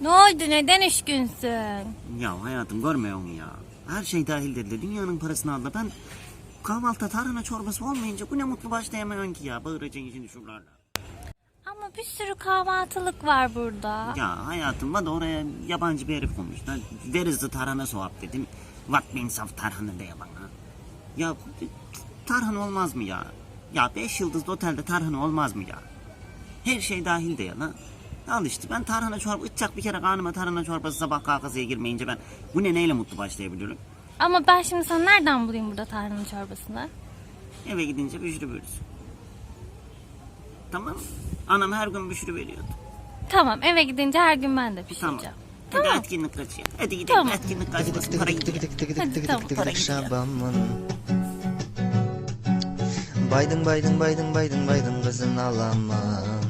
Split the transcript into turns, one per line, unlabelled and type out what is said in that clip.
Ne oldu, neden üzgünsün?
Ya hayatım görmüyor musun ya? Her şey dahil dedi. Dünyanın parasını aldı. Ben kahvaltıda tarhana çorbası olmayınca bu ne mutlu başlayamıyorum ki ya. Bağıracaksın şimdi şuralarla.
Ama bir sürü kahvaltılık var burada.
Ya hayatım var da oraya yabancı bir herif konmuşlar. Where is the tarhana soğuk dedim. What means of tarhana diye bana. Ya tarhana olmaz mı ya? Ya 5 yıldızlı otelde tarhana olmaz mı ya? Her şey dahil de ya lan. Al işte ben tarhana çorba içecek bir kere karnıma tarhana çorbası sabah kahvaltıya girmeyince ben bu ne neyle mutlu başlayabiliyorum?
Ama ben şimdi sana nereden bulayım burada tarhana çorbasını?
Eve gidince büşrü verirsin. Tamam mı? Anam her gün büşrü veriyordu.
Tamam, eve gidince her gün ben de
Tamam.
pişireceğim.
Hadi
Tamam.
etkinlik kaçıyor. Hadi gidelim
Tamam.
etkinlik kaçmasın. Para gidiyor.
Hadi tamam, para gidiyor.
Baydın baydın baydın baydın baydın kızın alamam.